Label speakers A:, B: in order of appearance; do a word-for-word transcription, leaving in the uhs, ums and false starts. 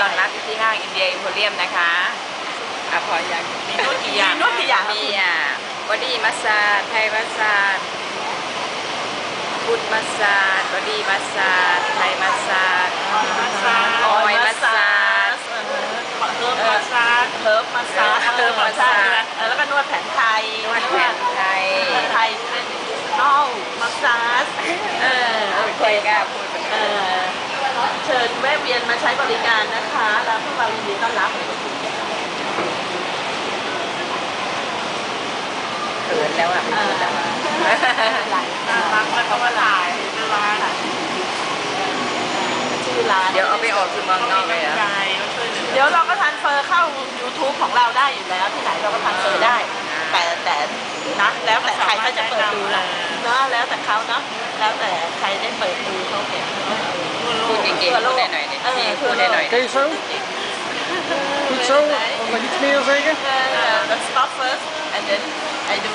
A: อนรับที่ห้างอินเดียอิมโพเรียมนะคะอ่ะพออยากมีนวดกี่อย่าง
B: นวดกี่อย่าง
A: มีอ่ะบอดี้มัสซาจไทยมัสซาจฟุตมัสซาจบอดี้มัสซาจไทยมัสซาจออยมัสซาจออยมัสซาจ
B: เฮิร์บมัสซาจเฮิร์บมัสซาจเฮิร์บมัสซาจแล้วก็นวดแผนไทย
A: นวดแผนไทย
B: ไทยเป็นนอลมัสซาจเออโอเค
A: ก็พูด
B: เออเชิญแวะเวียนมาใช้บริการนะคะแล้วพวกเรายินดีต้อนรับ
A: เขินแล้วอ่ะไม่พูดแล้วอ่ะ
B: น่ารักแล้วก็มาถ่ายชื่อร้านชื่อร้าน
A: เดี๋ยวเอาไปออกที่เมืองนอกเลยอ่ะ
B: เดี๋ยวเราก็ทันเฟอร์เข้า ยูทูบ ของเราได้อยู่แล้วที่ไหนเราก็ทันเฟอร์ได้แต่แต่นะแล้วแต่ใครเขาจะเปิดดูนะเนาะแล้วแต่เขาเนาะแล้วแต่ใครได้เปิดดูเขาเห็น
A: พูดเก่งๆพูดได้หน่อยดิพูดได้หน่อย
C: Oké zo? Goed zo? Mag ik iets meer zeggen?
B: Let's stop first and then I do